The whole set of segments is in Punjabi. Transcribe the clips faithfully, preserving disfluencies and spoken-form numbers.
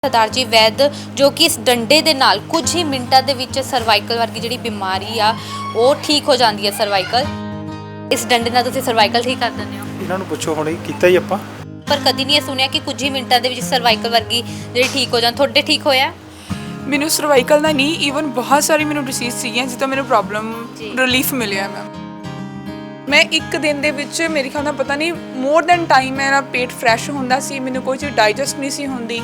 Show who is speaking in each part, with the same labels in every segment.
Speaker 1: सरदार जी वैद जो कि इस डंडे दे नाल कुछ ही मिनटां दे विच सर्वाइकल वर्गी जिहड़ी बीमारी आ वो ठीक हो जाती है। सर्वाइकल इस डंडे नाल तुसीं सर्वाइकल ठीक कर दिंदे हो?
Speaker 2: इन्हां नूं पुछो हुणे कीता ही आपां,
Speaker 1: पर कदी नहीं सुनिया कि कुछ ही मिनटां दे विच सर्वाइकल वर्गी जिहड़ी ठीक हो जाए। तुहाडे ठीक होया?
Speaker 3: ਮੈਨੂੰ ਸਰਵਾਈਕਲ ਦਾ ਨਹੀਂ ਈਵਨ ਬਹੁਤ ਸਾਰੀ ਮੈਨੂੰ ਡਿਸੀਜ਼ ਸੀਗੀਆਂ ਜਿੱਦਾਂ ਮੈਨੂੰ ਪ੍ਰੋਬਲਮ ਰਿਲੀਫ ਮਿਲਿਆ ਮੈਮ। ਮੈਂ ਇੱਕ ਦਿਨ ਦੇ ਵਿੱਚ ਮੇਰੇ ਖਿਆਲ ਨਾਲ ਪਤਾ ਨਹੀਂ ਮੋਰ ਦੈਨ ਟਾਈਮ ਮੇਰਾ ਪੇਟ ਫਰੈਸ਼ ਹੁੰਦਾ ਸੀ, ਮੈਨੂੰ ਕੋਈ ਚੀਜ਼ ਡਾਈਜੈਸਟ ਨਹੀਂ ਸੀ ਹੁੰਦੀ।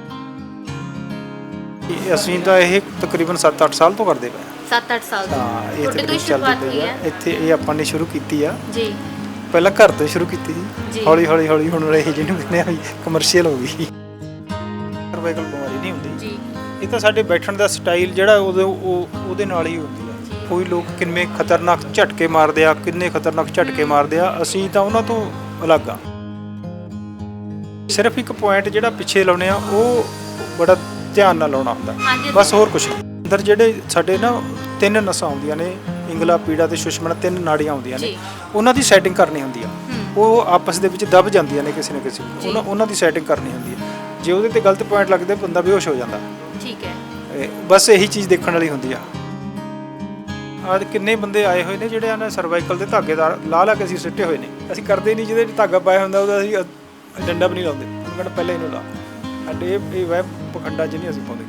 Speaker 2: ਅਸੀਂ ਤਾਂ ਇਹ ਤਕਰੀਬਨ ਸੱਤ ਅੱਠ ਸਾਲ ਤੋਂ ਕਰਦੇ ਪਏ
Speaker 1: ਸੱਤ ਅੱਠ ਸਾਲ ਤੋਂ?
Speaker 2: ਹਾਂ, ਇਹ
Speaker 1: ਤੁਹਾਡੇ ਤੋਂ ਹੀ
Speaker 2: ਤਕਰੀਬਨ
Speaker 1: ਸ਼ੁਰੂਆਤ
Speaker 2: ਚੱਲਦੀ
Speaker 1: ਹੋਈ
Speaker 2: ਪਈ
Speaker 1: ਹੈ?
Speaker 2: ਆ। ਇੱਥੇ ਇਹ ਆਪਾਂ ਨੇ ਸ਼ੁਰੂ ਕੀਤੀ ਆ
Speaker 1: ਜੀ,
Speaker 2: ਪਹਿਲਾਂ ਘਰ ਤੋਂ ਸ਼ੁਰੂ ਕੀਤੀ
Speaker 1: ਜੀ।
Speaker 2: ਸੀ, ਹੌਲੀ ਹੌਲੀ ਹੌਲੀ ਹੁਣ ਇਹ ਜਿਹਨੂੰ ਕਹਿੰਦੇ ਆ ਵੀ ਕਮਰਸ਼ੀਅਲ ਹੋ ਗਈ। ਸਰਵਾਈਕਲ ਬਿਮਾਰੀ ਨਹੀਂ ਹੁੰਦੀ
Speaker 1: ਜੀ,
Speaker 2: ਇਹ ਤਾਂ ਸਾਡੇ ਬੈਠਣ ਦਾ ਸਟਾਈਲ ਜਿਹੜਾ ਉਹਦੇ ਉਹ ਉਹਦੇ ਨਾਲ ਹੀ ਹੁੰਦੀ ਆ। ਕੋਈ ਲੋਕ ਕਿੰਨੇ ਖਤਰਨਾਕ ਝਟਕੇ ਮਾਰਦੇ ਆ, ਕਿੰਨੇ ਖਤਰਨਾਕ ਝਟਕੇ ਮਾਰਦੇ ਆ, ਅਸੀਂ ਤਾਂ ਉਹਨਾਂ ਤੋਂ ਅਲੱਗ ਆ। ਸਿਰਫ ਇੱਕ ਪੁਆਇੰਟ ਜਿਹੜਾ ਪਿੱਛੇ ਲਾਉਣੇ ਆ ਉਹ ਬੜਾ ਧਿਆਨ ਨਾਲ ਲਾਉਣਾ ਹੁੰਦਾ, ਬਸ ਹੋਰ ਕੁਝ ਨਹੀਂ। ਅੰਦਰ ਜਿਹੜੇ ਸਾਡੇ ਨਾ ਤਿੰਨ ਨਸਾਂ ਆਉਂਦੀਆਂ ਨੇ, ਇੰਗਲਾ, ਪੀੜਾ ਤੇ ਸੁਸ਼ਮਣਾ, ਤਿੰਨ ਨਾੜੀਆਂ ਆਉਂਦੀਆਂ ਨੇ, ਉਹਨਾਂ ਦੀ ਸੈਟਿੰਗ ਕਰਨੀ ਹੁੰਦੀ ਆ। ਉਹ ਆਪਸ ਦੇ ਵਿੱਚ ਦਬ ਜਾਂਦੀਆਂ ਨੇ ਕਿਸੇ ਨਾ ਕਿਸੇ, ਉਹਨਾਂ ਉਹਨਾਂ ਦੀ ਸੈਟਿੰਗ ਕਰਨੀ ਹੁੰਦੀ ਆ। ਜੇ ਉਹਦੇ ਤੇ ਗਲਤ ਪੁਆਇੰਟ ਲੱਗਦੇ ਬੰਦਾ ਬੇਹੋਸ਼ ਹੋ ਜਾਂਦਾ।
Speaker 1: ਠੀਕ ਹੈ,
Speaker 2: ਬਸ ਇਹੀ ਚੀਜ਼ ਦੇਖਣ ਵਾਲੀ ਹੁੰਦੀ ਆ। ਅੱਜ ਕਿੰਨੇ ਬੰਦੇ ਆਏ ਹੋਏ ਨੇ ਜਿਹੜੇ ਇਹਨਾਂ ਸਰਵਾਈਕਲ ਦੇ ਧਾਗੇਦਾਰ ਲਾ ਲਾ ਕੇ ਅਸੀਂ ਸਿੱਟੇ ਹੋਏ ਨੇ। ਅਸੀਂ ਕਰਦੇ ਨਹੀਂ, ਜਿਹਦੇ ਧਾਗਾ ਪਾਇਆ ਹੁੰਦਾ ਉਹਦਾ ਅਸੀਂ ਡੰਡਾ ਵੀ ਨਹੀਂ ਲਾਉਂਦੇ, ਉਹਨੂੰ ਕਹਿੰਦਾ ਪਹਿਲਾਂ ਇਹਨੂੰ ਲਾ। ਸਾਡੇ ਇਹ ਇਹ ਵਹਿ ਪਖੰਡਾਂ 'ਚ ਨਹੀਂ ਅਸੀਂ ਪਾਉਂਦੇ।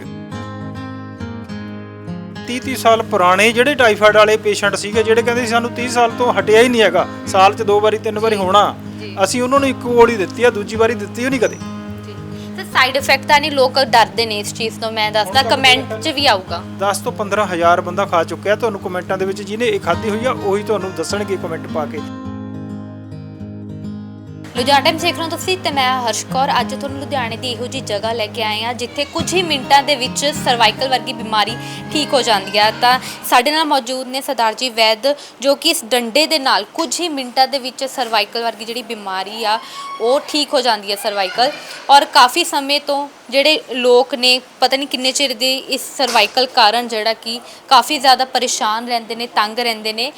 Speaker 2: ਤੀਹ ਤੀਹ ਸਾਲ ਪੁਰਾਣੇ ਜਿਹੜੇ ਟਾਈਫਾਇਡ ਵਾਲੇ ਪੇਸ਼ੈਂਟ ਸੀਗੇ, ਜਿਹੜੇ ਕਹਿੰਦੇ ਸੀ ਸਾਨੂੰ ਤੀਹ ਸਾਲ ਤੋਂ ਹਟਿਆ ਹੀ ਨਹੀਂ ਹੈਗਾ, ਸਾਲ 'ਚ ਦੋ ਵਾਰੀ ਤਿੰਨ ਵਾਰੀ ਹੋਣਾ, ਅਸੀਂ ਉਹਨਾਂ ਨੂੰ ਇੱਕ ਗੋਲੀ ਦਿੱਤੀ ਆ, ਦੂਜੀ ਵਾਰੀ ਦਿੱਤੀ ਉਹ ਨਹੀਂ ਕਦੇ।
Speaker 1: ਸਾਈਡ ਇਫੈਕਟ ਤਾਂ ਨਹੀਂ, ਲੋਕ ਡਰਦੇ ਨੇ ਇਸ ਚੀਜ਼ ਤੋਂ। ਮੈਂ ਦੱਸਦਾ ਕਮੈਂਟ 'ਚ ਵੀ ਆਊਗਾ
Speaker 2: ਦਸ ਤੋਂ ਪੰਦਰਾਂ ਹਜ਼ਾਰ ਬੰਦਾ ਖਾ ਚੁੱਕਿਆ। ਤੁਹਾਨੂੰ ਕਮੈਂਟਾਂ ਦੇ ਵਿੱਚ ਜਿਹਨੇ ਇਹ ਖਾਧੀ ਹੋਈ ਆ ਉਹੀ ਤੁਹਾਨੂੰ ਦੱਸਣਗੇ ਕਮੈਂਟ ਪਾ ਕੇ।
Speaker 1: ਲੁਧਿਆਣਾ ਟਾਈਮਸ ਦੇਖ ਰਹੇ ਹੋ ਤੁਸੀਂ ਤੇ ਮੈਂ ਹਰਸ਼ ਕੌਰ। ਅੱਜ ਤੁਹਾਨੂੰ ਲੁਧਿਆਣੇ ਦੀ ਇਹੋ ਜਿਹੀ ਜਗ੍ਹਾ ਲੈ ਕੇ ਆਏ ਹਾਂ ਜਿੱਥੇ ਕੁਝ ਹੀ ਮਿੰਟਾਂ ਦੇ ਵਿੱਚ ਸਰਵਾਈਕਲ ਵਰਗੀ ਬਿਮਾਰੀ ਠੀਕ ਹੋ ਜਾਂਦੀ ਹੈ। ਤਾਂ ਸਾਡੇ ਨਾਲ ਮੌਜੂਦ ਨੇ ਸਰਦਾਰ ਜੀ ਵੈਦ ਜੋ ਕਿ ਇਸ ਡੰਡੇ ਦੇ ਨਾਲ ਕੁਝ ਹੀ ਮਿੰਟਾਂ ਦੇ ਵਿੱਚ ਸਰਵਾਈਕਲ ਵਰਗੀ ਜਿਹੜੀ ਬਿਮਾਰੀ ਆ ਉਹ ਠੀਕ ਹੋ ਜਾਂਦੀ ਹੈ। ਸਰਵਾਈਕਲ ਔਰ ਕਾਫੀ ਸਮੇਂ ਤੋਂ ਜਿਹੜੇ ਲੋਕ ਨੇ ਪਤਾ ਨਹੀਂ ਕਿੰਨੇ ਚਿਰ ਦੇ ਇਸ ਸਰਵਾਈਕਲ ਕਾਰਨ ਜਿਹੜਾ ਕਿ ਕਾਫੀ ਜ਼ਿਆਦਾ ਪਰੇਸ਼ਾਨ ਰਹਿੰਦੇ ਨੇ, ਤੰਗ ਰਹਿੰਦੇ ਨੇ,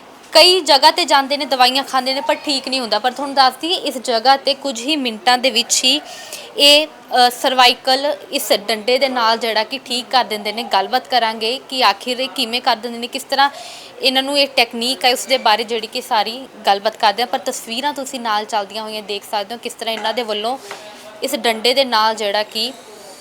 Speaker 1: ਕਈ ਜਗ੍ਹਾ ਤੇ ਜਾਂਦੇ ਨੇ, ਦਵਾਈਆਂ ਖਾਂਦੇ ਨੇ, ਪਰ ਠੀਕ ਨਹੀਂ ਹੁੰਦਾ। ਪਰ ਤੁਹਾਨੂੰ ਦੱਸ ਦਈਏ ਇਸ ਜਗ੍ਹਾ ਤੇ ਕੁਝ ਹੀ ਮਿੰਟਾਂ ਦੇ ਵਿੱਚ ਹੀ ਇਹ ਸਰਵਾਈਕਲ ਇਸ ਡੰਡੇ ਦੇ ਨਾਲ ਜਿਹੜਾ ਕਿ ਠੀਕ ਕਰ ਦਿੰਦੇ ਨੇ। ਗੱਲਬਾਤ ਕਰਾਂਗੇ ਕਿ ਆਖਿਰ ਇਹ ਕਿਵੇਂ ਕਰ ਦਿੰਦੇ ਨੇ, ਕਿਸ ਤਰ੍ਹਾਂ ਇਹਨਾਂ ਨੂੰ ਇਹ ਟੈਕਨੀਕ ਹੈ, ਉਸ ਦੇ ਬਾਰੇ ਜਿਹੜੀ ਕਿ ਸਾਰੀ ਗੱਲਬਾਤ ਕਰਦੇ ਹਾਂ। ਪਰ ਤਸਵੀਰਾਂ ਤੁਸੀਂ ਨਾਲ ਚੱਲਦੀਆਂ ਹੋਈਆਂ ਦੇਖ ਸਕਦੇ ਹੋ ਕਿਸ ਤਰ੍ਹਾਂ ਇਹਨਾਂ ਦੇ ਵੱਲੋਂ ਇਸ ਡੰਡੇ ਦੇ ਨਾਲ ਜਿਹੜਾ ਕਿ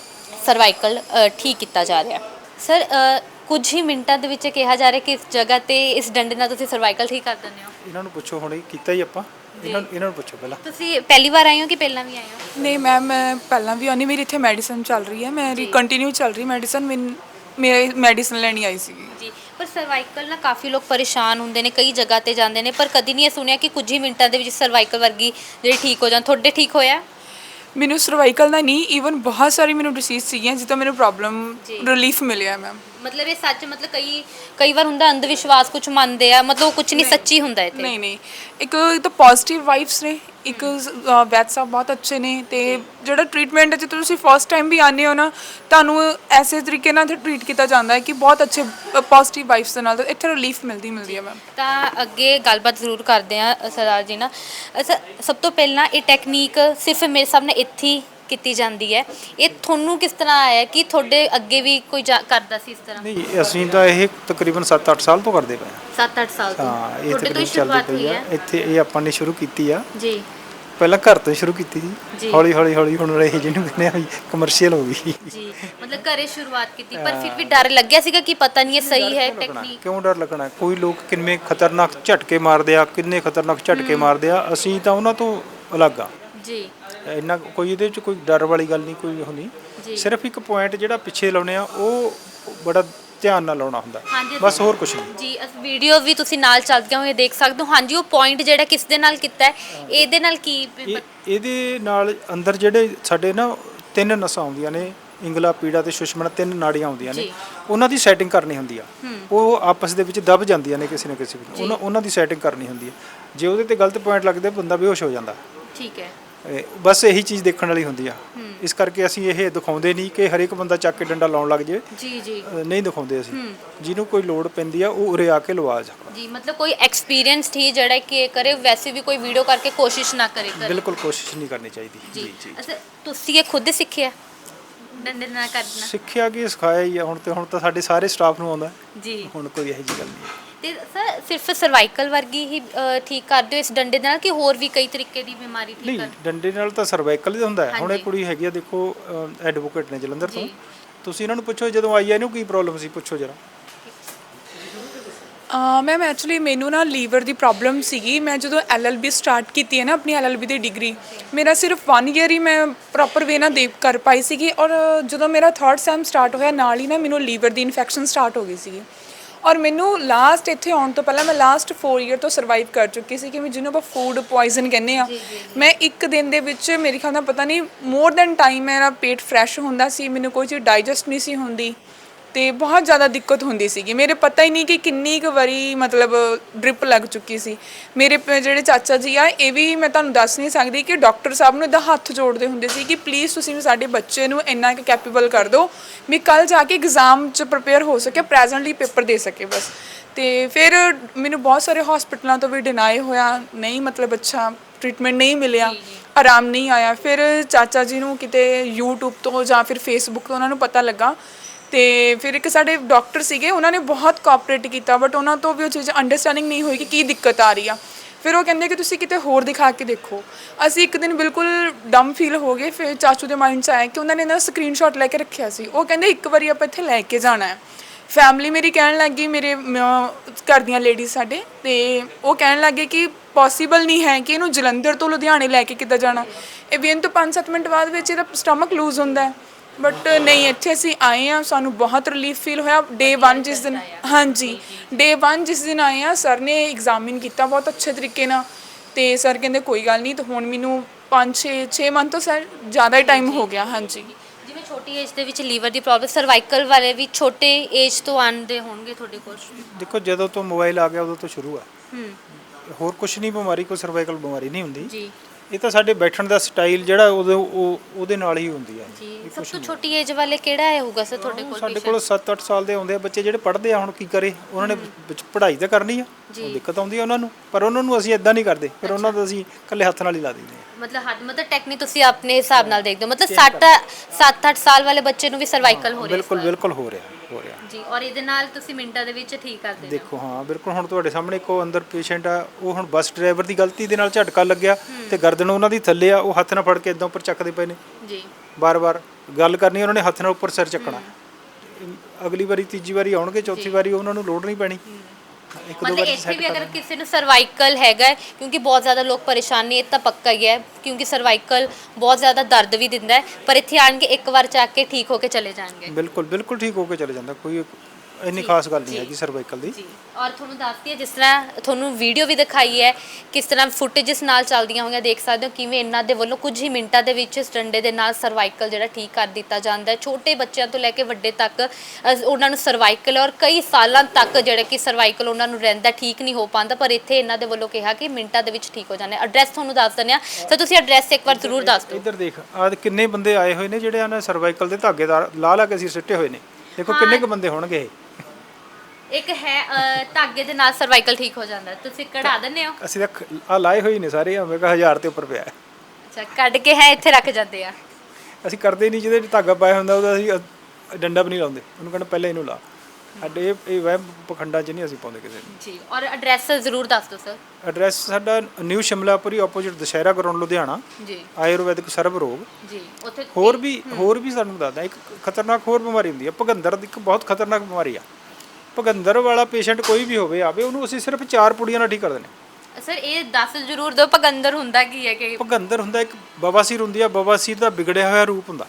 Speaker 1: ਸਰਵਾਈਕਲ ਠੀਕ ਕੀਤਾ ਜਾ ਰਿਹਾ। ਸਰ ਕੁਝ ਹੀ ਮਿੰਟਾਂ ਦੇ ਵਿੱਚ ਕਿਹਾ ਜਾ ਰਿਹਾ ਕਿ ਇਸ ਜਗ੍ਹਾ ਤੇ ਇਸ ਡੰਡੇ ਨਾਲ ਤੁਸੀਂ ਸਰਵਾਈਕਲ ਠੀਕ ਕਰ ਦਿੰਦੇ ਹੋ?
Speaker 2: ਇਹਨਾਂ ਨੂੰ ਪੁੱਛੋ ਹੁਣੇ ਕੀਤਾ ਹੀ ਆਪਾਂ, ਇਹਨਾਂ ਇਹਨਾਂ ਨੂੰ ਪੁੱਛੋ ਪਹਿਲਾਂ।
Speaker 1: ਤੁਸੀਂ ਪਹਿਲੀ ਵਾਰ ਆਏ ਹੋ ਕਿ ਪਹਿਲਾਂ ਵੀ ਆਏ ਹੋ?
Speaker 3: ਨਹੀਂ ਮੈਮ, ਮੈਂ ਪਹਿਲਾਂ ਵੀ ਆਉਂਦੀ, ਮੇਰੀ ਇੱਥੇ ਮੈਡੀਸਨ ਚੱਲ ਰਹੀ ਹੈ, ਮੇਰੀ ਕੰਟੀਨਿਊ ਚੱਲ ਰਹੀ ਮੈਡੀਸਨ। ਮੈਂ ਮੇਰੇ ਮੈਡੀਸਨ ਲੈਣੀ ਆਈ ਸੀਗੀ
Speaker 1: ਜੀ। ਪਰ ਸਰਵਾਈਕਲ ਨਾਲ ਕਾਫੀ ਲੋਕ ਪਰੇਸ਼ਾਨ ਹੁੰਦੇ ਨੇ, ਕਈ ਜਗ੍ਹਾ ਤੇ ਜਾਂਦੇ ਨੇ, ਪਰ ਕਦੀ ਨਹੀਂ ਇਹ ਸੁਣਿਆ ਕਿ ਕੁਝ ਹੀ ਮਿੰਟਾਂ ਦੇ ਵਿੱਚ ਸਰਵਾਈਕਲ ਵਰਗੀ ਜਿਹੜੀ ਠੀਕ ਹੋ ਜਾਣ। ਤੁਹਾਡੇ ਠੀਕ ਹੋਇਆ?
Speaker 3: ਮੈਨੂੰ ਸਰਵਾਈਕਲ ਦਾ ਨਹੀਂ ਈਵਨ ਬਹੁਤ ਸਾਰੀ ਮੈਨੂੰ ਡਿਸੀਜ਼ ਸੀਗੀਆਂ ਜਿੱਦਾਂ ਮੈਨੂੰ ਪ੍ਰੋਬਲਮ ਰਿਲੀਫ ਮਿਲਿਆ ਮੈਮ।
Speaker 1: ਮਤਲਬ ਇਹ ਸੱਚ, ਮਤਲਬ ਕਈ ਕਈ ਵਾਰ ਹੁੰਦਾ ਅੰਧ ਵਿਸ਼ਵਾਸ ਕੁਝ ਮੰਨਦੇ ਆ, ਮਤਲਬ ਕੁਝ ਨਹੀਂ, ਸੱਚੀ ਹੁੰਦਾ ਇੱਥੇ?
Speaker 3: ਨਹੀਂ ਨਹੀਂ, ਇੱਕ ਤਾਂ ਪੋਜ਼ਿਟਿਵ ਵਾਈਬਸ ਨੇ, ਇੱਕ ਵੈਦ ਸਾਹਿਬ ਬਹੁਤ ਅੱਛੇ ਨੇ, ਤੇ ਜਿਹੜਾ ਟ੍ਰੀਟਮੈਂਟ ਹੈ ਜੇ ਤੁਸੀਂ ਫਸਟ ਟਾਈਮ ਵੀ ਆਉਂਦੇ ਹੋ ਨਾ, ਤੁਹਾਨੂੰ ਐਸੇ ਤਰੀਕੇ ਨਾਲ ਇੱਥੇ ਟ੍ਰੀਟ ਕੀਤਾ ਜਾਂਦਾ ਹੈ ਕਿ ਬਹੁਤ ਅੱਛੇ ਪੋਜ਼ਿਟਿਵ ਵਾਈਬਸ ਦੇ ਨਾਲ ਇੱਥੇ ਰਿਲੀਫ ਮਿਲਦੀ ਮਿਲਦੀ ਹੈ ਮੈਮ।
Speaker 1: ਤਾਂ ਅੱਗੇ ਗੱਲਬਾਤ ਜ਼ਰੂਰ ਕਰਦੇ ਆ ਸਰਦਾਰ ਜੀ ਨਾਲ। ਅੱਛਾ, ਸਭ ਤੋਂ ਪਹਿਲਾਂ ਇਹ ਟੈਕਨੀਕ ਸਿਰਫ ਮੇਰੇ ਸਾਹਮਣੇ ਇੱਥੇ ਹੀ ਕੀਤੀ ਜਾਂਦੀ ਹੈ, ਇਹ ਤੁਹਾਨੂੰ ਕਿਸ ਤਰ੍ਹਾਂ ਆਇਆ ਕਿ ਤੁਹਾਡੇ ਅੱਗੇ ਵੀ ਕੋਈ ਕਰਦਾ ਸੀ ਇਸ ਤਰ੍ਹਾਂ?
Speaker 2: ਨਹੀਂ, ਅਸੀਂ ਤਾਂ ਇਹ ਤਕਰੀਬਨ ਸੱਤ ਅੱਠ ਸਾਲ ਤੋਂ ਕਰਦੇ ਪਏ
Speaker 1: ਸੱਤ ਅੱਠ ਸਾਲ ਤੋਂ?
Speaker 2: ਹਾਂ, ਇਹ
Speaker 1: ਤੁਹਾਡੇ ਤੋਂ ਹੀ
Speaker 2: ਤਕਰੀਬਨ
Speaker 1: ਸ਼ੁਰੂਆਤ
Speaker 2: ਚੱਲਦੀ
Speaker 1: ਹੋਈ
Speaker 2: ਪਈ
Speaker 1: ਹੈ?
Speaker 2: ਆ। ਇੱਥੇ ਇਹ ਆਪਾਂ ਨੇ ਸ਼ੁਰੂ ਕੀਤੀ ਆ
Speaker 1: ਜੀ,
Speaker 2: ਪਹਿਲਾਂ ਘਰ ਤੋਂ ਸ਼ੁਰੂ ਕੀਤੀ
Speaker 1: ਜੀ।
Speaker 2: ਸੀ, ਹੌਲੀ ਹੌਲੀ ਹੌਲੀ ਹੁਣ ਇਹ ਜਿਹਨੂੰ ਕਹਿੰਦੇ ਆ ਵੀ ਕਮਰਸ਼ੀਅਲ ਹੋ ਗਈ।
Speaker 1: ਜੀ, ਮਤਲਬ ਘਰੇ ਸ਼ੁਰੂਆਤ ਕੀਤੀ, ਪਰ ਫਿਰ ਵੀ ਡਰ ਲੱਗਿਆ ਸੀਗਾ ਕਿ ਪਤਾ ਨਹੀਂ ਇਹ ਸਹੀ ਹੈ ਟੈਕਨੀਕ?
Speaker 2: ਕਿਉਂ ਡਰ ਲੱਗਣਾ? ਕੋਈ ਲੋਕ ਕਿੰਨੇ ਖਤਰਨਾਕ ਝਟਕੇ ਮਾਰਦੇ ਆ, ਕਿੰਨੇ ਖਤਰਨਾਕ ਝਟਕੇ ਮਾਰਦੇ ਆ, ਅਸੀਂ ਤਾਂ ਉਹਨਾਂ ਤੋਂ ਅਲੱਗ ਆ। ਜੀ, ਇੰਨਾ ਕੋਈ ਇਹਦੇ ਵਿੱਚ ਕੋਈ ਡਰ ਵਾਲੀ ਗੱਲ ਨਹੀਂ, ਕੋਈ ਉਹ ਨਹੀਂ। ਸਿਰਫ ਇੱਕ ਪੁਆਇੰਟ ਜਿਹੜਾ ਪਿੱਛੇ ਲਾਉਣੇ ਆ ਉਹ ਬੜਾ ਧਿਆਨ ਨਾਲ ਲਾਉਣਾ ਹੁੰਦਾ, ਬਸ ਹੋਰ ਕੁਝ ਨਹੀਂ। ਜੀ, ਅਸ ਵੀਡੀਓ ਵੀ ਤੁਸੀਂ ਨਾਲ ਚੱਲਦੀਆਂ ਹੋਏ ਦੇਖ ਸਕਦੇ ਹੋ। ਹਾਂਜੀ, ਉਹ ਪੁਆਇੰਟ ਜਿਹੜਾ ਕਿਸ ਦੇ ਨਾਲ ਕੀਤਾ ਹੈ, ਇਹਦੇ ਨਾਲ ਕੀ? ਇਹਦੇ ਨਾਲ ਅੰਦਰ ਜਿਹੜੇ ਸਾਡੇ ਨਾ ਤਿੰਨ ਨਸਾਂ ਆਉਂਦੀਆਂ ਨੇ, ਇੰਗਲਾ, ਪੀੜਾ ਤੇ ਸੁਸ਼ਮਣਾ, ਤਿੰਨ ਨਾੜੀਆਂ ਆਉਂਦੀਆਂ ਨੇ, ਉਹਨਾਂ ਦੀ ਸੈਟਿੰਗ ਕਰਨੀ ਹੁੰਦੀ ਆ। ਉਹ ਆਪਸ ਦੇ ਵਿੱਚ ਦਬ ਜਾਂਦੀਆਂ ਨੇ ਕਿਸੇ ਨਾ ਕਿਸੇ, ਉਹਨਾਂ ਉਹਨਾਂ ਦੀ ਸੈਟਿੰਗ ਕਰਨੀ ਹੁੰਦੀ ਹੈ। ਜੇ ਉਹਦੇ ਤੇ ਗਲਤ ਪੁਆਇੰਟ ਲੱਗਦੇ ਬੰਦਾ ਬੇਹੋਸ਼ ਹੋ ਜਾਂਦਾ। ਠੀਕ ਹੈ, ਬਸ ਇਹੀ ਚੀਜ਼ ਦੇਖਣ ਵਾਲੀ ਹੁੰਦੀ ਆ। ਇਸ ਕਰਕੇ ਅਸੀਂ ਇਹ ਦਿਖਾਉਂਦੇ ਨਹੀਂ ਕਿ ਹਰ ਇੱਕ ਬੰਦਾ ਚੱਕ ਕੇ ਡੰਡਾ ਲਾਉਣ ਲੱਗ ਜਾਵੇ। ਜੀ ਜੀ, ਨਹੀਂ ਦਿਖਾਉਂਦੇ ਅਸੀਂ। ਜਿਹਨੂੰ ਕੋਈ ਲੋੜ ਪੈਂਦੀ ਆ ਉਹ ਉਰੇ ਆ ਕੇ ਲਵਾ ਜਾ। ਜੀ, ਮਤਲਬ ਕੋਈ ਐਕਸਪੀਰੀਅੰਸ ਹੀ ਜਿਹੜਾ ਕਿ ਕਰੇ, ਵੈਸੇ ਵੀ ਕੋਈ ਵੀਡੀਓ ਕਰਕੇ ਕੋਸ਼ਿਸ਼ ਨਾ ਕਰੇ। ਬਿਲਕੁਲ ਕੋਸ਼ਿਸ਼ ਨਹੀਂ ਕਰਨੀ ਚਾਹੀਦੀ। ਜੀ ਜੀ, ਅੱਛਾ, ਤੁਸੀਂ ਇਹ ਖੁਦ ਸਿੱਖਿਆ?
Speaker 1: ਡੰਡੇ ਨਾਲ ਕਰਨਾ
Speaker 2: ਸਿੱਖਿਆ ਕੀ ਸਿਖਾਇਆ ਹੀ ਆ ਹੁਣ ਤੇ ਹੁਣ ਤਾਂ ਸਾਡੇ ਸਾਰੇ ਸਟਾਫ ਨੂੰ ਆਉਂਦਾ
Speaker 1: ਜੀ।
Speaker 2: ਹੁਣ ਕੋਈ ਇਹੋ ਜਿਹੀ ਗੱਲ ਨਹੀਂ।
Speaker 1: ਤੇ ਸਰ ਸਿਰਫ ਸਰਵਾਈਕਲ ਵਰਗੀ ਹੀ ਅ, ਠੀਕ ਕਰਦੇ ਹੋ ਇਸ ਡੰਡੇ ਦੇ ਨਾਲ ਕਿ ਹੋਰ ਵੀ ਕਈ ਤਰੀਕੇ ਦੀ ਬਿਮਾਰੀ ਠੀਕ
Speaker 2: ਨਹੀਂ
Speaker 1: ਕਰ
Speaker 2: ਡੰਡੇ ਨਾਲ ਤਾਂ ਸਰਵਾਈਕਲ ਹੀ ਹੁੰਦਾ ਹੈ। ਹੁਣ ਇਹ
Speaker 1: ਹਾਂਜੀ।
Speaker 2: ਕੁੜੀ ਹੈਗੀ ਆ ਦੇਖੋ ਐਡਵੋਕੇਟ ਨੇ ਜਲੰਧਰ ਤੋਂ,
Speaker 1: ਜੀ।
Speaker 2: ਤੁਸੀਂ ਇਹਨਾਂ ਨੂੰ ਪੁੱਛੋ ਜਦੋਂ ਆਈ ਆ ਇਹਨੂੰ ਕੀ ਪ੍ਰੋਬਲਮ ਸੀ, ਪੁੱਛੋ ਜਰਾ।
Speaker 3: ਮੈਮ ਐਕਚੁਅਲੀ ਮੈਨੂੰ ਨਾ ਲੀਵਰ ਦੀ ਪ੍ਰੋਬਲਮ ਸੀਗੀ। ਮੈਂ ਜਦੋਂ ਐਲ ਐਲ ਬੀ ਸਟਾਰਟ ਕੀਤੀ ਹੈ ਨਾ ਆਪਣੀ ਐਲ ਐਲ ਬੀ ਦੀ ਡਿਗਰੀ, ਮੇਰਾ ਸਿਰਫ ਵਨ ਈਅਰ ਹੀ ਮੈਂ ਪ੍ਰੋਪਰ ਵੇ ਨਾਲ ਦੇ ਕਰ ਪਾਈ ਸੀਗੀ। ਔਰ ਜਦੋਂ ਮੇਰਾ ਥਰਡ ਸੈਮ ਸਟਾਰਟ ਹੋਇਆ ਨਾਲ ਹੀ ਨਾ ਮੈਨੂੰ ਲੀਵਰ ਦੀ ਇਨਫੈਕਸ਼ਨ ਸਟਾਰਟ ਹੋ ਗਈ ਸੀਗੀ। ਔਰ ਮੈਨੂੰ ਲਾਸਟ ਇੱਥੇ ਆਉਣ ਤੋਂ ਪਹਿਲਾਂ ਮੈਂ ਲਾਸਟ ਫੋਰ ਈਅਰ ਤੋਂ ਸਰਵਾਈਵ ਕਰ ਚੁੱਕੀ ਸੀ ਕਿ ਮੈਂ ਜਿਹਨੂੰ ਆਪਾਂ ਫੂਡ ਪੋਇਜ਼ਨ ਕਹਿੰਦੇ ਆ। ਮੈਂ ਇੱਕ ਦਿਨ ਦੇ ਵਿੱਚ ਮੇਰੇ ਖਿਆਲ ਨਾਲ ਪਤਾ ਨਹੀਂ ਮੋਰ ਦੈਨ ਟਾਈਮ ਮੇਰਾ ਪੇਟ ਫਰੈਸ਼ ਹੁੰਦਾ ਸੀ, ਮੈਨੂੰ ਕੋਈ ਚੀਜ਼ ਡਾਈਜੈਸਟ ਨਹੀਂ ਸੀ ਹੁੰਦੀ ਤੇ ਬਹੁਤ ਜ਼ਿਆਦਾ ਦਿੱਕਤ ਹੁੰਦੀ ਸੀਗੀ। ਮੇਰੇ ਪਤਾ ਹੀ ਨਹੀਂ ਕਿ ਕਿੰਨੀ ਕੁ ਵਾਰੀ ਮਤਲਬ ਡ੍ਰਿਪ ਲੱਗ ਚੁੱਕੀ ਸੀ। ਮੇਰੇ ਪ- ਜਿਹੜੇ ਚਾਚਾ ਜੀ ਆ ਇਹ ਵੀ ਮੈਂ ਤੁਹਾਨੂੰ ਦੱਸ ਨਹੀਂ ਸਕਦੀ ਕਿ ਡਾਕਟਰ ਸਾਹਿਬ ਨੂੰ ਇੱਦਾਂ ਹੱਥ ਜੋੜਦੇ ਹੁੰਦੇ ਸੀ ਕਿ ਪਲੀਜ਼ ਤੁਸੀਂ ਵੀ ਸਾਡੇ ਬੱਚੇ ਨੂੰ ਇੰਨਾ ਕੁ ਕੈਪੇਬਲ ਕਰ ਦਿਓ ਵੀ ਕੱਲ੍ਹ ਜਾ ਕੇ ਐਗਜ਼ਾਮ 'ਚ ਪ੍ਰਪੇਅਰ ਹੋ ਸਕੇ, ਪ੍ਰੈਜ਼ੈਂਟਲੀ ਪੇਪਰ ਦੇ ਸਕੇ ਬਸ। ਤੇ ਫਿਰ ਮੈਨੂੰ ਬਹੁਤ ਸਾਰੇ ਹਸਪੀਟਲਾਂ ਤੋਂ ਵੀ ਡਿਨਾਈ ਹੋਇਆ, ਨਹੀਂ ਮਤਲਬ ਅੱਛਾ ਟ੍ਰੀਟਮੈਂਟ ਨਹੀਂ ਮਿਲਿਆ, ਆਰਾਮ ਨਹੀਂ ਆਇਆ। ਫਿਰ ਚਾਚਾ ਜੀ ਨੂੰ ਕਿਤੇ ਯੂਟਿਊਬ ਤੋਂ ਜਾਂ ਫਿਰ ਫੇਸਬੁੱਕ ਤੋਂ ਉਹਨਾਂ ਨੂੰ ਪਤਾ ਲੱਗਾ ਤੇ ਫਿਰ ਇੱਕ ਸਾਡੇ ਡਾਕਟਰ ਸੀਗੇ, ਉਹਨਾਂ ਨੇ ਬਹੁਤ ਕੋਆਪਰੇਟ ਕੀਤਾ ਬਟ ਉਹਨਾਂ ਤੋਂ ਵੀ ਉਹ ਚੀਜ਼ ਅੰਡਰਸਟੈਂਡਿੰਗ ਨਹੀਂ ਹੋਈ ਕਿ ਕੀ ਦਿੱਕਤ ਆ ਰਹੀ ਆ। ਫਿਰ ਉਹ ਕਹਿੰਦੇ ਕਿ ਤੁਸੀਂ ਕਿਤੇ ਹੋਰ ਦਿਖਾ ਕੇ ਦੇਖੋ। ਅਸੀਂ ਇੱਕ ਦਿਨ ਬਿਲਕੁਲ ਡਮ ਫੀਲ ਹੋ ਗਏ। ਫਿਰ ਚਾਚੂ ਦੇ ਮਾਈਂਡ 'ਚ ਆਇਆ ਕਿ ਉਹਨਾਂ ਨੇ ਨਾ ਸਕਰੀਨਸ਼ਾਟ ਲੈ ਕੇ ਰੱਖਿਆ ਸੀ। ਉਹ ਕਹਿੰਦੇ ਇੱਕ ਵਾਰੀ ਆਪਾਂ ਇੱਥੇ ਲੈ ਕੇ ਜਾਣਾ ਹੈ। ਫੈਮਿਲੀ ਮੇਰੀ ਕਹਿਣ ਲੱਗ ਗਈ, ਮੇਰੇ ਘਰ ਦੀਆਂ ਲੇਡੀਜ਼ ਸਾਡੇ, ਤੇ ਉਹ ਕਹਿਣ ਲੱਗੇ ਕਿ ਪੋਸੀਬਲ ਨਹੀਂ ਹੈ ਕਿ ਇਹਨੂੰ ਜਲੰਧਰ ਤੋਂ ਲੁਧਿਆਣੇ ਲੈ ਕੇ ਕਿੱਦਾਂ ਜਾਣਾ। ਇਹ ਬੇਨ ਤੋਂ ਪੰਜ ਸੱਤ ਮਿੰਟ ਬਾਅਦ ਵਿੱਚ ਇਹਦਾ ਸਟਮਕ ਲੂਜ਼ ਹੁੰਦਾ ਹੈ। ਬਟ ਨਹੀਂ, ਇੱਥੇ ਅਸੀਂ ਆਏ ਹਾਂ, ਸਾਨੂੰ ਬਹੁਤ ਰਿਲੀਫ ਫੀਲ ਹੋਇਆ ਡੇ ਵਨ ਜਿਸ ਦਿਨ। ਹਾਂਜੀ, ਡੇ ਵਨ ਜਿਸ ਦਿਨ ਆਏ ਹਾਂ ਸਰ ਨੇ ਐਗਜ਼ਾਮਿਨ ਕੀਤਾ ਬਹੁਤ ਅੱਛੇ ਤਰੀਕੇ ਨਾਲ ਤੇ ਸਰ ਕਹਿੰਦੇ ਕੋਈ ਗੱਲ ਨਹੀਂ। ਤੇ ਹੁਣ ਮੈਨੂੰ ਪੰਜ ਛੇ ਛੇ ਮੰਥ ਤੋਂ ਸਰ ਜ਼ਿਆਦਾ ਹੀ ਟਾਈਮ ਹੋ ਗਿਆ। ਹਾਂਜੀ,
Speaker 1: ਜਿਵੇਂ ਛੋਟੀ ਏਜ ਦੇ ਵਿੱਚ ਲੀਵਰ ਦੀ ਪ੍ਰੋਬਲਮ, ਸਰਵਾਈਕਲ ਵਾਲੇ ਵੀ ਛੋਟੇ ਏਜ ਤੋਂ ਆਉਂਦੇ ਹੋਣਗੇ ਤੁਹਾਡੇ ਕੋਲ?
Speaker 2: ਦੇਖੋ ਜਦੋਂ ਤੋਂ ਮੋਬਾਈਲ ਆ ਗਿਆ ਉਦੋਂ ਤੋਂ ਸ਼ੁਰੂ ਆ,
Speaker 1: ਹੂੰ
Speaker 2: ਹੋਰ ਕੁਝ ਨਹੀਂ ਬਿਮਾਰੀ, ਕੋਈ ਸਰਵਾਈਕਲ ਬਿਮਾਰੀ ਨਹੀਂ ਹੁੰਦੀ।
Speaker 1: ਜੀ
Speaker 2: ਇਹ ਤਾਂ ਸਾਡੇ ਬੈਠਣ ਦਾ ਸਟਾਈਲ ਜਿਹੜਾ ਉਹਦੇ ਉਹ ਉਹਦੇ ਨਾਲ ਹੀ ਹੁੰਦੀ ਹੈ।
Speaker 1: ਜੀ। ਸਭ ਤੋਂ ਛੋਟੀ ਏਜ ਵਾਲੇ ਕਿਹੜਾ ਹੈ ਹੋਊਗਾ ਸਰ ਤੁਹਾਡੇ ਕੋਲ?
Speaker 2: ਸਾਡੇ ਕੋਲ ਸੱਤ ਅੱਠ ਸਾਲ ਦੇ ਆਉਂਦੇ ਆ ਬੱਚੇ ਜਿਹੜੇ ਪੜ੍ਹਦੇ ਆ। ਹੁਣ ਕੀ ਕਰੇ, ਉਹਨਾਂ ਨੇ ਵਿੱਚ ਪੜ੍ਹਾਈ ਤਾਂ ਕਰਨੀ ਆ, ਉਹ ਦਿੱਕਤ ਆਉਂਦੀ ਆ ਉਹਨਾਂ ਨੂੰ, ਪਰ ਉਹਨਾਂ ਨੂੰ ਅਸੀਂ ਇਦਾਂ ਨਹੀਂ ਕਰਦੇ। ਫਿਰ ਉਹਨਾਂ ਦਾ ਅਸੀਂ ਇਕੱਲੇ ਹੱਥ ਨਾਲ ਹੀ ਲਾ ਦਿੰਦੇ ਆ।
Speaker 1: ਮਤਲਬ ਹੱਦ ਮਤਲਬ ਟੈਕਨੀਕ ਤੁਸੀਂ ਆਪਣੇ ਹਿਸਾਬ ਨਾਲ ਦੇਖਦੇ ਹੋ। ਮਤਲਬ ਸੱਤ ਸੱਤ ਅੱਠ ਸਾਲ ਵਾਲੇ ਬੱਚੇ ਨੂੰ ਵੀ ਸਰਵਾਈਕਲ ਹੋ ਰਿਹਾ?
Speaker 2: ਬਿਲਕੁਲ ਬਿਲਕੁਲ ਹੋ ਰਿਹਾ ਹੋ ਰਿਹਾ
Speaker 1: ਜੀ। ਔਰ ਇਹਦੇ ਨਾਲ ਤੁਸੀਂ ਮਿੰਟਾਂ ਦੇ ਵਿੱਚ ਠੀਕ ਕਰਦੇ ਹੋ?
Speaker 2: ਦੇਖੋ ਹਾਂ ਬਿਲਕੁਲ। ਹੁਣ ਤੁਹਾਡੇ ਸਾਹਮਣੇ ਕੋ ਅੰਦਰ ਪੇਸ਼ੈਂਟ ਆ, ਉਹ ਹੁਣ ਬੱਸ ਡਰਾਈਵਰ ਦੀ ਗਲਤੀ ਦੇ ਨਾਲ ਝਟਕਾ ਲੱਗਿਆ ਤੇ ਗਰਦਨ ਉਹਨਾਂ ਦੀ ਥੱਲੇ ਆ, ਉਹ ਹੱਥ ਨਾਲ ਫੜ ਕੇ ਇਦਾਂ ਉੱਪਰ ਚੱਕਦੇ ਪਏ ਨੇ
Speaker 1: ਜੀ।
Speaker 2: ਬਾਰ-ਬਾਰ ਗੱਲ ਕਰਨੀ, ਉਹਨਾਂ ਨੇ ਹੱਥ ਨਾਲ ਉੱਪਰ ਸਿਰ ਚੱਕਣਾ। ਅਗਲੀ ਵਾਰੀ ਤੀਜੀ ਵਾਰੀ ਆਉਣਗੇ, ਚੌਥੀ ਵਾਰੀ ਉਹਨਾਂ ਨੂੰ ਲੋੜ ਨਹੀਂ ਪੈਣੀ। ਇੱਕ ਦੋ
Speaker 1: ਮਤਲਬ
Speaker 2: ਵਾਰੀ
Speaker 1: ਇੱਥੇ
Speaker 2: ਸੈੱਟ
Speaker 1: ਵੀ ਅਗਰ
Speaker 2: ਕਰ
Speaker 1: ਕਿਸੇ ਨੂੰ ਸਰਵਾਈਕਲ ਹੈਗਾ ਹੈ, ਕਿਉਂਕਿ ਬਹੁਤ ਜ਼ਿਆਦਾ ਲੋਕ ਪਰੇਸ਼ਾਨ ਨੇ, ਇਹ ਤਾਂ ਪੱਕਾ ਹੀ ਹੈ ਕਿਉਂਕਿ ਸਰਵਾਈਕਲ ਬਹੁਤ ਜ਼ਿਆਦਾ ਦਰਦ ਵੀ ਦਿੰਦਾ ਹੈ, ਪਰ ਇੱਥੇ ਆਣਗੇ ਇੱਕ ਵਾਰ ਚੱਕ ਕੇ ਠੀਕ ਹੋ ਕੇ ਚਲੇ ਜਾਣਗੇ।
Speaker 2: ਬਿਲਕੁਲ ਬਿਲਕੁਲ ਠੀਕ ਹੋ ਕੇ ਚਲੇ ਜਾਂਦਾ। ਕੋਈ ਇੰਨੀ ਖਾਸ ਗੱਲ ਨਹੀਂ ਹੈਗੀ ਸਰਵਾਈਕਲ ਦੀ।
Speaker 1: ਜੀ। ਔਰ ਤੁਹਾਨੂੰ ਦੱਸਦੀ ਹੈ, ਜਿਸ ਤਰ੍ਹਾਂ ਤੁਹਾਨੂੰ ਵੀਡੀਓ ਵੀ ਦਿਖਾਈ ਹੈ ਕਿਸ ਤਰ੍ਹਾਂ ਫੁਟੇਜਸ ਨਾਲ ਚੱਲਦੀਆਂ ਹੋਈਆਂ, ਦੇਖ ਸਕਦੇ ਹੋ ਕਿਵੇਂ ਇਹਨਾਂ ਦੇ ਵੱਲੋਂ ਕੁਝ ਹੀ ਮਿੰਟਾਂ ਦੇ ਵਿੱਚ ਇਸ ਡੰਡੇ ਦੇ ਨਾਲ ਸਰਵਾਈਕਲ ਜਿਹੜਾ ਠੀਕ ਕਰ ਦਿੱਤਾ ਜਾਂਦਾ ਹੈ। ਛੋਟੇ ਬੱਚਿਆਂ ਤੋਂ ਲੈ ਕੇ ਵੱਡੇ ਤੱਕ ਅ, ਉਹਨਾਂ ਨੂੰ ਸਰਵਾਈਕਲ ਔਰ ਕਈ ਸਾਲਾਂ ਤੱਕ ਜਿਹੜਾ ਕਿ ਸਰਵਾਈਕਲ ਉਹਨਾਂ ਨੂੰ ਰਹਿੰਦਾ, ਠੀਕ ਨਹੀਂ ਹੋ ਪਾਉਂਦਾ, ਪਰ ਇੱਥੇ ਇਹਨਾਂ ਦੇ ਵੱਲੋਂ ਕਿਹਾ ਕਿ ਮਿੰਟਾਂ ਦੇ ਵਿੱਚ ਠੀਕ ਹੋ ਜਾਂਦੇ। ਐਡਰੈਸ ਤੁਹਾਨੂੰ ਦੱਸ ਦਿੰਦੇ ਆ, ਤਾਂ ਤੁਸੀਂ ਐਡਰੈਸ ਇੱਕ ਵਾਰ ਜ਼ਰੂਰ ਦੱਸ ਦਿਓ।
Speaker 2: ਇੱਧਰ ਦੇਖ, ਆਹ ਕਿੰਨੇ ਬੰਦੇ ਆਏ ਹੋਏ ਨੇ ਜਿਹੜੇ ਇਹਨਾਂ ਸਰਵਾਈਕਲ ਦੇ ਧਾਗੇਦਾਰ ਲਾ ਲਾ ਕੇ ਅਸੀਂ ਸਿੱਟੇ ਹੋਏ ਨੇ। ਦੇਖੋ ਕਿੰਨੇ ਕੁ ਬੰਦੇ ਹੋਣਗੇ।
Speaker 1: ਇੱਕ ਹੈ ਅ, ਧਾਗੇ ਦੇ ਨਾਲ ਸਰਵਾਈਕਲ ਠੀਕ ਹੋ ਜਾਂਦਾ, ਤੁਸੀਂ ਕਢਾ ਦਿੰਦੇ ਹੋ?
Speaker 2: ਅਸੀਂ ਤਾਂ ਆ ਲਾਏ ਹੋਏ ਨੇ ਸਾਰੇ, ਮੈਂ ਕਿਹਾ ਹਜ਼ਾਰ ਤੇ ਉੱਪਰ ਪਿਆ।
Speaker 1: ਅੱਛਾ, ਕੱਢ ਕੇ ਹੈ ਇੱਥੇ ਰੱਖ ਜਾਂਦੇ ਆ?
Speaker 2: ਅਸੀਂ ਕਰਦੇ ਨਹੀਂ, ਜਿਹਦੇ ਧਾਗਾ ਪਾਇਆ ਹੁੰਦਾ ਉਹਦਾ ਅਸੀਂ ਅ- ਡੰਡਾ ਵੀ ਨਹੀਂ ਲਾਉਂਦੇ, ਉਹਨੂੰ ਕਹਿੰਦਾ ਪਹਿਲਾਂ ਇਹਨੂੰ ਲਾ। ਸਾਡੇ ਇਹ ਇਹ ਵਹਿਮ ਪਖੰਡਾਂ 'ਚ ਨਹੀਂ ਅਸੀਂ ਪਾਉਂਦੇ ਕਿਸੇ ਨੂੰ।
Speaker 1: ਜੀ। ਔਰ ਐਡਰੈਸ ਜ਼ਰੂਰ ਦੱਸ ਦਿਓ ਸਰ।
Speaker 2: ਐਡਰੈਸ ਸਾਡਾ new Shimlapuri opposite Dussehra ground Ludhiana,
Speaker 1: ਜੀ
Speaker 2: ਆਯੁਰਵੈਦਿਕ ਸਰਬ ਰੋਗ।
Speaker 1: ਜੀ। ਉੱਥੇ
Speaker 2: ਹੋਰ ਵੀ ਹੋਰ ਵੀ ਸਾਨੂੰ ਦੱਸਦਾ ਇੱਕ ਖਤਰਨਾਕ ਹੋਰ ਬਿਮਾਰੀ ਹੁੰਦੀ ਹੈ ਭਗੰਦਰ ਦੀ, ਇੱਕ ਬਹੁਤ ਖਤਰਨਾਕ ਬਿਮਾਰੀ ਆ। ਭਗੰਦਰ ਵਾਲਾ ਪੇਸ਼ੈਂਟ ਕੋਈ ਵੀ ਹੋਵੇ ਆਵੇ, ਉਹਨੂੰ ਅਸੀਂ ਸਿਰਫ ਚਾਰ ਪੁੜੀਆਂ ਨਾਲ ਠੀਕ ਕਰ ਦਿੰਦੇ ਹਾਂ।
Speaker 1: ਸਰ ਇਹ ਦੱਸ ਜ਼ਰੂਰ ਦਿਓ ਭਗੰਦਰ ਹੁੰਦਾ ਕੀ ਹੈ? ਕਿ
Speaker 2: ਭਗੰਦਰ ਹੁੰਦਾ ਇੱਕ ਬਵਾਸੀਰ ਹੁੰਦੀ ਆ, ਬਵਾਸੀਰ ਦਾ ਵਿਗੜਿਆ ਹੋਇਆ ਰੂਪ ਹੁੰਦਾ।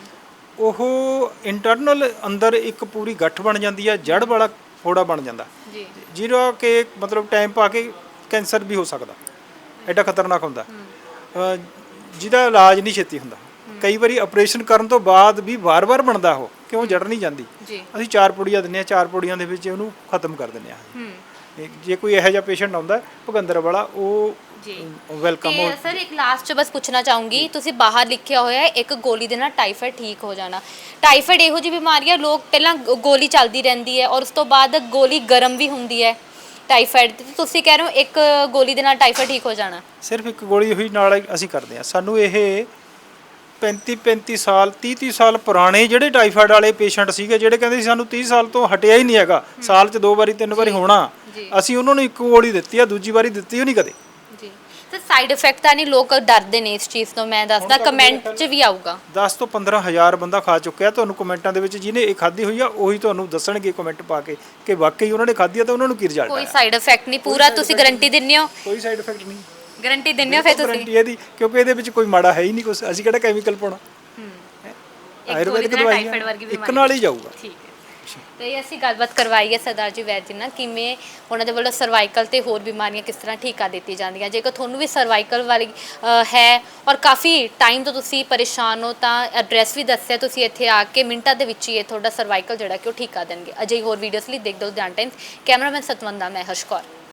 Speaker 2: ਉਹ ਇੰਟਰਨਲ ਅੰਦਰ ਇੱਕ ਪੂਰੀ ਗੱਠ ਬਣ ਜਾਂਦੀ ਆ, ਜੜ ਵਾਲਾ ਫੋੜਾ ਬਣ ਜਾਂਦਾ
Speaker 1: ਜੀ।
Speaker 2: ਜਿਹੜਾ ਕਿ ਮਤਲਬ ਟਾਈਮ ਪਾ ਕੇ ਕੈਂਸਰ ਵੀ ਹੋ ਸਕਦਾ, ਐਡਾ ਖਤਰਨਾਕ ਹੁੰਦਾ, ਅ, ਜਿਹਦਾ ਇਲਾਜ ਨਹੀਂ ਛੇਤੀ ਹੁੰਦਾ। ਕਈ ਵਾਰੀ ਆਪਰੇਸ਼ਨ ਕਰਨ ਤੋਂ ਬਾਅਦ ਵੀ ਵਾਰ-ਵਾਰ ਬਣਦਾ ਉਹ, ਕਿਉਂ ਜੜ ਨਹੀਂ ਜਾਂਦੀ।
Speaker 1: ਜੀ।
Speaker 2: ਅਸੀਂ ਚਾਰ ਪੁੜੀਆਂ ਦਿੰਦੇ ਹਾਂ, ਚਾਰ ਪੁੜੀਆਂ ਦੇ ਵਿੱਚ ਉਹਨੂੰ ਖਤਮ ਕਰ ਦਿੰਦੇ ਹਾਂ। ਜੇ ਕੋਈ ਇਹੋ ਜਿਹਾ ਪੇਸ਼ੈਂਟ ਆਉਂਦਾ ਭਗੰਦਰ ਵਾਲਾ, ਉਹ
Speaker 1: ਜੀ
Speaker 2: ਵੈਲਕਮ।
Speaker 1: ਤੇ ਸਰ ਇੱਕ ਲਾਸਟ ਚ ਬਸ ਪੁੱਛਣਾ ਚਾਹੂੰਗੀ, ਤੁਸੀਂ ਬਾਹਰ ਲਿਖਿਆ ਹੋਇਆ ਹੈ ਇੱਕ ਗੋਲੀ ਦੇ ਨਾਲ ਟਾਈਫਾਇਡ ਠੀਕ ਹੋ ਜਾਣਾ। ਟਾਈਫਾਇਡ ਇਹੋ ਜਿਹੀ ਬਿਮਾਰੀ ਹੈ, ਲੋਕ ਪਹਿਲਾਂ ਗੋ- ਗੋਲੀ ਚੱਲਦੀ ਰਹਿੰਦੀ ਹੈ ਔਰ ਉਸ ਤੋਂ ਬਾਅਦ ਗੋਲੀ ਗਰਮ ਵੀ ਹੁੰਦੀ ਹੈ ਟਾਈਫਾਇਡ ਦੀ, ਤੁਸੀਂ ਕਹਿ ਰਹੇ ਹੋ ਇੱਕ ਗੋਲੀ ਦੇ ਨਾਲ ਟਾਈਫਾਇਡ ਠੀਕ ਹੋ ਜਾਣਾ?
Speaker 2: ਸਿਰਫ ਇੱਕ ਗੋਲੀ ਹੋਈ ਨਾਲ ਅਸੀਂ ਕਰਦੇ ਹਾਂ। ਸਾਨੂੰ ਇਹ ਪੈਂਤੀ ਪੈਂਤੀ ਸਾਲ ਤੀਹ ਤੀਹ ਸਾਲ ਪੁਰਾਣੇ ਜਿਹੜੇ ਟਾਈਫਾਇਡ ਵਾਲੇ ਪੇਸ਼ੈਂਟ ਸੀਗੇ, ਜਿਹੜੇ ਕਹਿੰਦੇ ਸੀ ਸਾਨੂੰ ਤੀਹ ਸਾਲ ਤੋਂ ਹਟਿਆ ਹੀ ਨਹੀਂ ਹੈਗਾ, ਸਾਲ 'ਚ ਦੋ ਵਾਰੀ ਤਿੰਨ ਵਾਰੀ ਹੋਣਾ, ਅਸੀਂ ਉਹਨਾਂ ਨੂੰ ਇੱਕ ਗੋਲੀ ਦਿੱਤੀ ਆ, ਦੂਜੀ ਵਾਰੀ ਦਿੱਤੀ ਹੀ ਨਹੀਂ ਕਦੇ।
Speaker 1: ਜੀ ਤੇ ਸਾਈਡ ਇਫੈਕਟ ਤਾਂ ਨਹੀਂ, ਲੋਕ ਡਰਦੇ ਨੇ ਇਸ ਚੀਜ਼ ਤੋਂ, ਮੈਂ ਦੱਸਦਾ ਕਮੈਂਟ 'ਚ ਵੀ ਆਊਗਾ।
Speaker 2: ਦਸ ਤੋਂ ਪੰਦਰਾਂ ਹਜ਼ਾਰ ਬੰਦਾ ਖਾ ਚੁੱਕਿਆ, ਤੁਹਾਨੂੰ ਕਮੈਂਟਾਂ ਦੇ ਵਿੱਚ ਜਿਹਨੇ ਇਹ ਖਾਧੀ ਹੋਈ ਆ ਉਹੀ ਤੁਹਾਨੂੰ ਦੱਸਣਗੇ ਕਮੈਂਟ ਪਾ ਕੇ ਕਿ ਵਾਕਈ ਉਹਨਾਂ ਨੇ ਖਾਧੀ ਆ ਤਾਂ ਉਹਨਾਂ ਨੂੰ ਕੀ ਰਿਜ਼ਲਟ
Speaker 1: ਕੋਈ
Speaker 2: ਆਇਆ।
Speaker 1: ਸਾਈਡ ਇਫੈਕਟ ਨਹੀਂ, ਪੂਰਾ ਤੁਸੀਂ ਗਾਰੰਟੀ ਦਿੰਦੇ ਹੋ?
Speaker 2: ਕੋਈ ਸਾਈਡ ਇਫੈਕਟ ਨਹੀਂ,
Speaker 1: ਗਾਰੰਟੀ ਦਿੰਦੇ ਹੋ ਫਿਰ ਤੁਸੀਂ?
Speaker 2: ਗਾਰੰਟੀ ਇਹਦੀ, ਕਿਉਂਕਿ ਇਹਦੇ ਵਿੱਚ ਕੋਈ ਮਾੜਾ ਹੈ ਹੀ ਨਹੀਂ ਕੁਝ, ਅਸੀਂ ਕਿਹੜਾ ਕੈਮੀਕਲ ਪਾਉਣਾ। ਆਯੁਰਵੈਦਿਕ ਦਵਾਈ
Speaker 1: ਟਾਈਫਾਇਡ ਵਰਗੀ
Speaker 2: ਇੱਕ
Speaker 1: ਬਿਮਾਰੀ
Speaker 2: ਨਾਲ ਹੀ ਜਾਊਗਾ।
Speaker 1: ਠੀਕ ਹੈ। ਤੇ ਅਸੀਂ ਗੱਲਬਾਤ ਕਰਵਾਈ ਹੈ ਸਰਦਾਰ ਜੀ ਵੈਦ ਜੀ ਨਾਲ, ਕਿਵੇਂ ਉਹਨਾਂ ਦੇ ਵੱਲੋਂ ਸਰਵਾਈਕਲ ਤੇ ਹੋਰ ਬਿਮਾਰੀਆਂ ਕਿਸ ਤਰ੍ਹਾਂ ਠੀਕ ਕਰ ਦਿੱਤੀ ਜਾਂਦੀਆਂ। ਜੇਕਰ ਤੁਹਾਨੂੰ ਵੀ ਸਰਵਾਈਕਲ ਵਾਲੀ ਅ, ਹੈ ਔਰ ਕਾਫੀ ਟਾਈਮ ਤੋਂ ਤੁਸੀਂ ਪਰੇਸ਼ਾਨ ਹੋ ਤਾਂ ਐਡਰੈਸ ਵੀ ਦੱਸਿਆ, ਤੁਸੀਂ ਇੱਥੇ ਆ ਕੇ ਮਿੰਟਾਂ ਦੇ ਵਿੱਚ ਹੀ ਇਹ ਤੁਹਾਡਾ ਸਰਵਾਈਕਲ ਜਿਹੜਾ ਕਿ ਉਹ ਠੀਕ ਕਰ ਦੇਣਗੇ। ਅਜਿਹੀ ਹੋਰ ਵੀਡੀਓਜ਼ ਲਈ ਦੇਖਦੇ ਹੋ ਲੁਧਿਆਣਾ ਟਾਈਮਸ। ਕੈਮਰਾਮੈਨ ਸਤਵੰਦਾ, ਮੈਂ ਹਰਸ਼ ਕੌਰ।